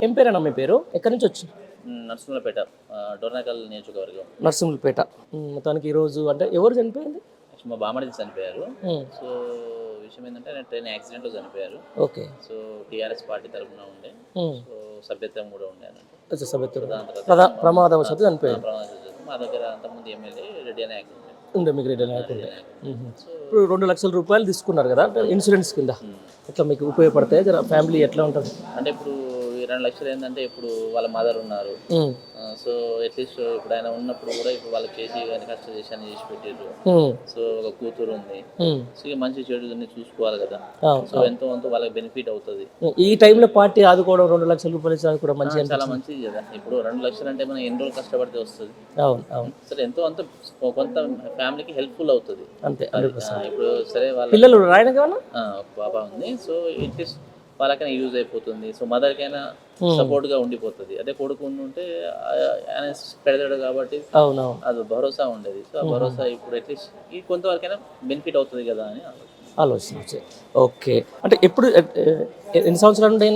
ఏం పేరేనా మీ పేరు? ఎక్కడి నుంచి వచ్చి? నర్సింహులపేట, డోర్నకల్ నియోజకవర్గం. నర్సింహులపేట. మొత్తానికి ఈరోజు అంటే ఎవరు చనిపోయింది? మా బామ్మడిది చనిపోయారు. సో విషయం ఏంటంటే ట్రైన్ యాక్సిడెంట్లో చనిపోయారు. ఓకే. సో టీఆర్ఎస్ పార్టీ తరఫున ఉండే, సో సభ్యత్వం కూడా ఉండే అన్నట్టు. ప్రమాదవశాత్తు చనిపోయారు. మా దగ్గర అంతకుముందు ఎమ్మెల్యే రెడ్డి అనే యాక్ట్ ఉండే, మీకు రెడ్డి నాయకు ఉండే. ఇప్పుడు 2 లక్షల రూపాయలు తీసుకున్నారు కదా ఇన్సూరెన్స్ కింద, ఎట్లా మీకు ఉపయోగపడతాయి? జర ఫ్యామిలీ ఎట్లా ఉంటుంది అంటే ఇప్పుడు 2 లక్షలు ఏంటంటే ఇప్పుడు వాళ్ళ మదర్ ఉన్నారు. సో అట్లీస్ట్ ఇప్పుడు ఆయన ఉన్నప్పుడు కూడా ఇప్పుడు వాళ్ళకి చేసి కష్ట చేశాన్ని చేసి పెట్టారు. సో ఒక కూతురు ఉంది. సో ఇక మంచి చెడు చూసుకోవాలి కదా. సో ఎంతో వాళ్ళకి బెనిఫిట్ అవుతుంది. ఈ టైంలో పార్టీ ఆదుకోవడం, 2 లక్షల రూపాయలు ఆదుకోవడం మంచిగా, చాలా మంచిది కదా. ఇప్పుడు 2 లక్షలు అంటే మనం ఎన్ని రోజులు కష్టపడితే వస్తుంది. అవును. సరే ఎంతో అంత కొంత ఫ్యామిలీకి హెల్ప్ఫుల్ అవుతుంది అంతే. ఇప్పుడు సరే వాళ్ళ పిల్లలు రాయడానికి ఒక పాప ఉంది. సో ఇట్లీస్ట్ వాళ్ళకైనా యూజ్ అయిపోతుంది. సో మదర్కైనా సపోర్ట్గా ఉండిపోతుంది. అదే కొడుకు ఉంటే ఆయన పెడతాడు కాబట్టి అది భరోసా ఉండేది. సో ఆ భరోసా ఇప్పుడు అట్లీస్ట్ ఈ కొంతవరకైనా బెనిఫిట్ అవుతుంది కదా అని ఆలోచన. ఓకే. అంటే ఎప్పుడు ఎన్ని సంవత్సరాలు ఉండే?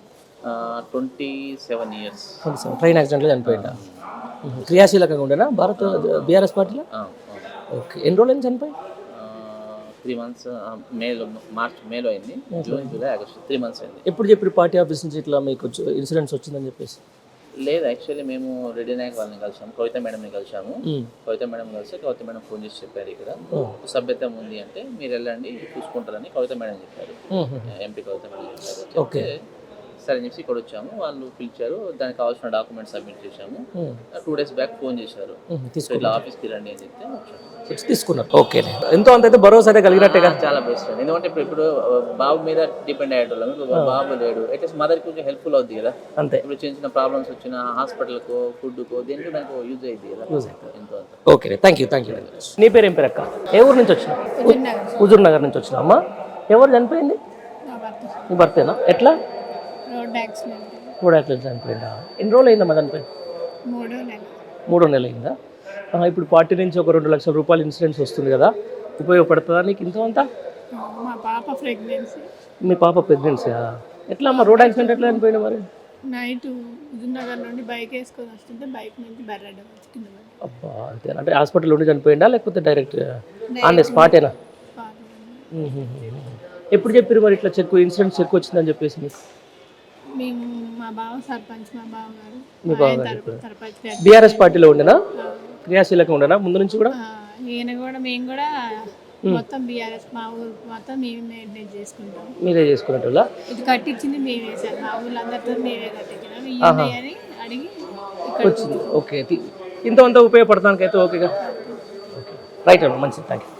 27 years. ట్రైన్ యాక్సిడెంట్లో చనిపోయిందా? క్రియాశీలకంగా ఉండేనా బీఆర్ఎస్ పార్టీలో? ఓకే. ఎన్ని రోజులు చనిపోయి? 3 months. మేలో అయింది. జూన్, జూలై, ఆగస్టు 3 months అయింది. ఎప్పుడు చెప్పి పార్టీ ఆఫీస్ నుంచి ఇట్లా మీకు ఇన్సూరెన్స్ వచ్చిందని చెప్పేసి? లేదు, యాక్చువల్లీ మేము రెడ్డి నాయక్ వాళ్ళని కలిసాము, కవిత మేడంని కలిసాము. కవిత మేడం కలిసి కవిత మేడం ఫోన్ చేసి చెప్పారు, ఇక్కడ సభ్యత్వం ఉంది అంటే మీరు వెళ్ళండి చూసుకుంటారని కవిత మేడం చెప్పారు. ఎంపీ కవిత మేడం చెప్పారు. ఓకే సరే అని చెప్పి ఇక్కడ వచ్చాము. వాళ్ళు పిలిచారు, దానికి కావాల్సిన డాక్యుమెంట్స్ సబ్మిట్ చేశాము. 2 days బ్యాక్ ఫోన్ చేశారు, ఇట్లా ఆఫీస్కి రండి అని చెప్తే తీసుకున్నారు. ఓకే. ఎంతో అంత భరోసా కలిగినట్టే కదా. చాలా బెస్ట్. ఎందుకంటే ఇప్పుడు బాబు మీద డిపెండ్ అయ్యేటోళ్ళం. ఇప్పుడు బాబు లేడు, అట్లీస్ట్ మదర్కి కొంచెం హెల్ప్ఫుల్ అవుతుంది కదా. అంతే. ఇప్పుడు చిన్న ప్రాబ్లమ్స్ వచ్చిన హాస్పిటల్కో ఫుడ్కో దేనికి నాకు యూజ్ అయ్యింది కదా. ఎంతో అంత. ఓకే. Thank you. నీ పేరు ఏం పేరు అక్క? ఏ ఊరు నుంచి వచ్చినా? హుజూర్ నగర్ నుంచి వచ్చినా. అమ్మా ఎవరు చనిపోయింది? నీ భర్తేనా? ఎట్లా? రోడ్ యాక్సిడెంట్ చనిపోయిందా? ఎన్ని రోజులు అయిందమ్మా చనిపోయి? 3 నెలలు అయిందా? ఇప్పుడు పార్టీ నుంచి ఒక 2 లక్షల రూపాయలు ఇన్సూరెన్స్ వస్తుంది కదా, ఉపయోగపడుతుందా నీకు ఇంత అంతా? మీ పాప ప్రెగ్నెన్సీ? ఎట్లా అమ్మా రోడ్ యాక్సిడెంట్ ఎట్లా చనిపోయింది మరి? నైట్ హుజూర్నగర్ నుండి బైక్ వేసుకొని వస్తుంటే బైక్ నుంచి బర్రెడ్ వచ్చింది. అబ్బా, అంతే. అంటే హాస్పిటల్ నుండి చనిపోయిందా లేకపోతే డైరెక్ట్ ఆన్ స్పాటేనా? ఎప్పుడు చెప్పారు మరి ఇట్లా ఇన్సూరెన్స్ చెక్ వచ్చిందని చెప్పేసి మీకు? మేము మా బావ సర్పంచ్, మా బావ గారు మీ బావ గారు బీఆర్ఎస్ పార్టీలో ఉండేనా? క్రియాశీలకంగా ఉండేనా ముందు నుంచి కూడా? ఈయన కూడా మేము కూడా మొత్తం బీఆర్ఎస్, మా ఊరు మొత్తం మేము మెయింటైన్ చేసుకుంటాం. మీరే చేసుకున్నట్టు? ఇది కట్టించింది మేమే సార్, మా ఊళ్ళో అందరితో మేమే కట్టించినాం అని అడిగి వచ్చింది. ఓకే. ఇంత అంతా ఉపయోగపడటానికి అయితే ఓకేగా. రైట్ అమ్మా, మంచిది. Thank you.